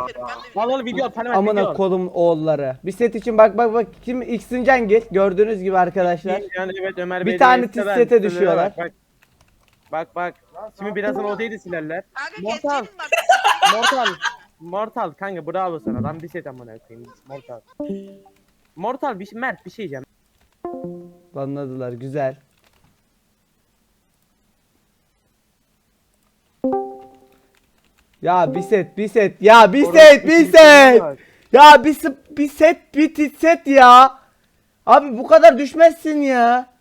verin. Al al video Parlament Amına video. kodum oğulları. Bir set için bak kim X'in Cengiz gördüğünüz gibi arkadaşlar. Yani evet Ömer Bir Bey tane de tiz seven, sete sitelere düşüyorlar. Bak. Şimdi birazdan odayı da silerler. Kanka Mortal. keseceğim bak. Mortal kanka bravo sana. Ben bir set amına koyayım. Mortal bir şey Mert bir şey diyeceğim. Anladılar güzel. Ya bir set ya bir set ya bir set ya. Abi bu kadar düşmezsin ya.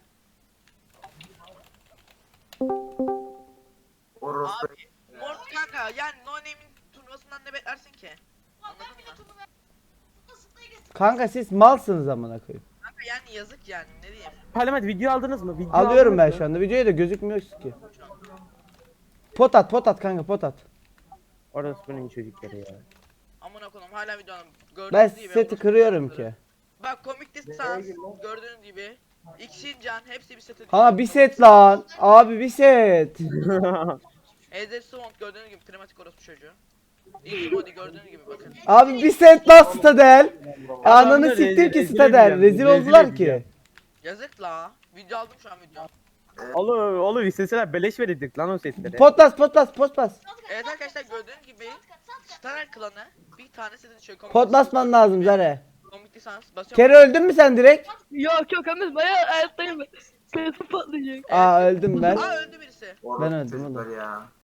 Orospu. Abi Mort kanka yani No Name'in turnuvasından ne beklersin ki? Anladın mı? Kanka siz malsınız amına koyayım. Kanka yani yazık yani ne diyeyim. Parlament video aldınız mı? Video Alıyorum aldınız ben mı? şu anda. Videoya da gözükmüyor ki. Pot at kanka pot at. Orası bunun çocukları ya. Amına koyayım hala videonun gördüğünüz Ben gibi. seti kırıyorum ki. Bak Comic Distance gördüğünüz gibi. X'in Can hepsi bir sete Ha bir set lan. Abi bir set. Eder Swamp gördüğünüz gibi Primatik orospu çocuğu. Easy Body gördüğünüz gibi bakın. Abi bir set lan Stadel. Ananı Adamlar siktir ki rezil Stadel. edeceğim, Rezil rezil oldular edeceğim. ki. Yazık la. Video aldım şu an video. Oğlum isteseler beleş verirdik lan o setleri. Potlas. Evet arkadaşlar gördüğünüz gibi Star klanı bir tane sete düşüyor. Pot basman lazım Zare. Comic Distance basıyorum. Kere öldün mü sen direkt? Yok Ahmet bayağı hayattayım ben. Telefon patlayacak. Aa öldüm ben. Aa öldü birisi. Ben öldüm çocuklar oğlum. ya.